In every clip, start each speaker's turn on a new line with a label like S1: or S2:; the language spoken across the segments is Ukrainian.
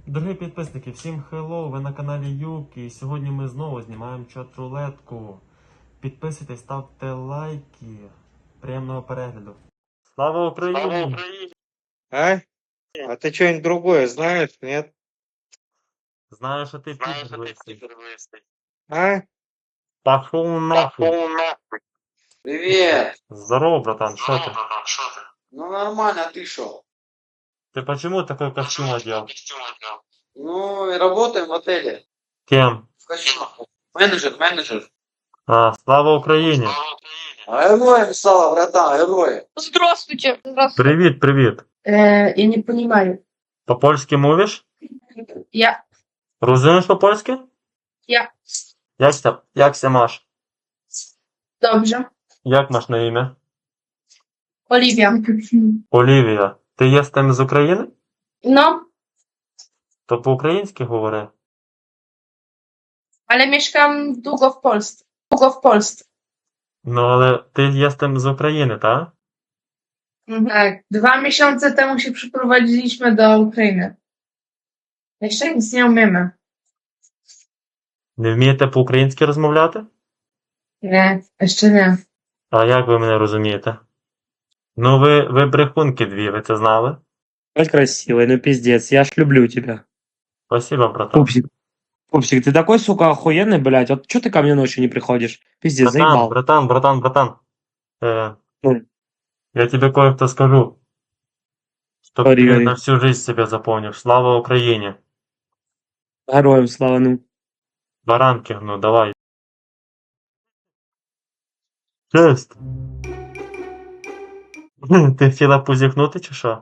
S1: Дорогі підписники, всім хеллоу, ви на каналі Юкі, і сьогодні ми знову знімаємо чат-рулетку. Підписуйтесь, ставте лайки. Приємного перегляду. Слава Україні!
S2: А? А ты что-нибудь другое знаешь, нет?
S1: Знаю, що ти підписуєшся.
S2: А?
S1: Пошел нахуй.
S3: Привет!
S1: Здорово, братан, що ти?
S3: Ну нормально, а ты шо?
S1: Ты почему такой костюм одел?
S3: Ну и работаем в отеле.
S1: Кем?
S3: В костюмах. Менеджер.
S1: А, слава Україні!
S3: А героем стала, братан, героем.
S4: Здравствуйте. Здравствуйте.
S1: Привіт.
S4: Я не понимаю.
S1: По-польськи мовиш?
S4: Я.
S1: Розумієш по-польськи?
S4: Я.
S1: Як ся маш?
S4: Dobrze.
S1: Як маш на ім'я?
S4: Oliwia.
S1: Олівія. Ти є з тим з України?
S4: No,
S1: То по-українськи говори.
S4: ale mieszkam długo w Polsce.
S1: Ну, але ти є з тим з України, так?
S4: Tak. 2 miesiące temu się przeprowadziliśmy do Ukrainy. Jeszcze nic nie umiemy.
S1: Не вмієте по-українськи розмовляти?
S4: Nie, jeszcze nie.
S1: А як ви мене розумієте? Ну, ви брехунки дві, ви це знали?
S5: Ой, красивый, ну пиздец, я ж люблю тебя.
S1: Спасибо, братан.
S5: Пупсик, ты такой, сука, охуенный, блядь, вот чё ты ко мне ночью не приходишь? Пиздец, заебал.
S1: Братан.
S5: Ну.
S1: Я тебе кое-что скажу. Чтоб
S5: Говори,
S1: ты
S5: говори.
S1: на всю жизнь себя запомнишь. Слава Украине.
S5: Героям слава, ну.
S1: Баранки, ну давай. Честь. Ти хотіла позіхнути чи що?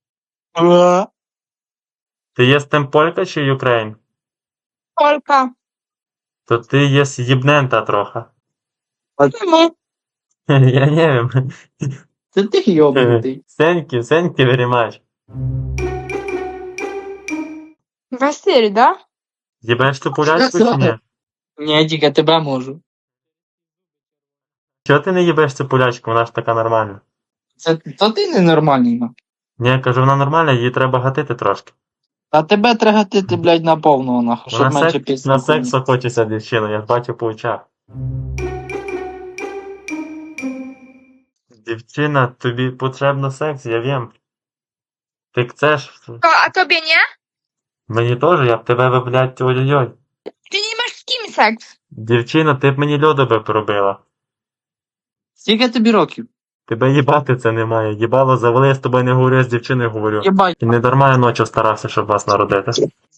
S1: Ти є з тим полька чи юкрейн?
S4: Polka.
S1: То ти є з'їбнента трохи.
S4: Czemu?
S1: Я не wiem.
S3: Ты ёбнутый.
S1: Сеньки very much.
S4: Василь, да?
S1: Їбеш ти полячку чи ні?
S6: Ні, тільки тебе можу.
S1: Чого ти не їбеш цю полячку? Вона ж така нормальна.
S6: То ти ненормальний. ну.
S1: Ні, я кажу, вона нормальна, її треба гатити трошки.
S6: А тебе треба гатити, блядь, на повного, нахуй, щоб
S1: Вона
S6: менше пісні.
S1: на секс охочеться дівчина, я ж бачу по очах. Дівчина, тобі потрібно секс, я wiem. Ти chcesz?
S4: A tobie nie?
S1: Мені теж, я б тебе, блядь, ой-ой-ой.
S4: Ty nie masz z kim seks.
S1: Дівчина, ти б мені льоду би пробила.
S6: Скільки тобі років?
S1: Тебе їбати це немає. Їбало завели, я з тобою не говорю, я з дівчиною говорю.
S6: Єбать.
S1: І не дарма я ночі старався, щоб вас народити.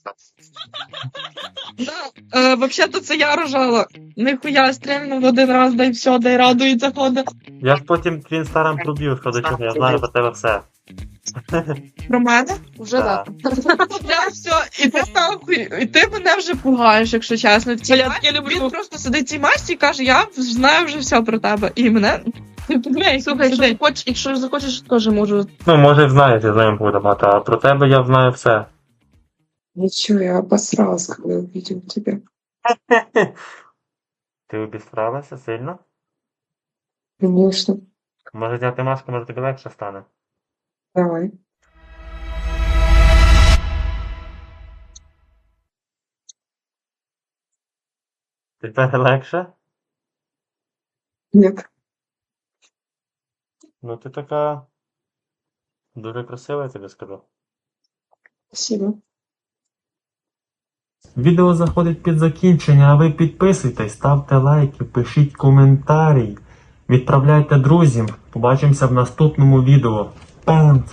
S7: Да, вообще-то це я рожала. Нихуя стрільнув один раз, дай все, дай радується ходить.
S1: Я ж потім твін старам проб'ю, що до чого, я знаю про тебе все.
S7: Про мене?
S4: Уже
S1: Так.
S7: Я все, і ти нахуй, і ти мене вже пугаєш, якщо чесно. В цій
S4: Я
S7: масці він просто сидить в цій масці і каже, я знаю вже все про тебе. І мене...
S4: Слухай, якщо захочеш, теж можу.
S1: Ну, може, знаєш, я з ним буду мати, а про тебе я знаю все.
S8: Ничего, я обосралась, когда увидел тебя.
S1: Ти обістралася сильно?
S8: Конечно.
S1: Може зняти маску, може тобі легше стане.
S8: Давай.
S1: Тепер легше?
S8: Нет.
S1: Ну ти така дуже красива, я тобі скажу.
S8: Спасибо.
S1: Відео заходить під закінчення, а ви підписуйтесь, ставте лайки, пишіть коментарі, відправляйте друзям. Побачимося в наступному відео. Пем!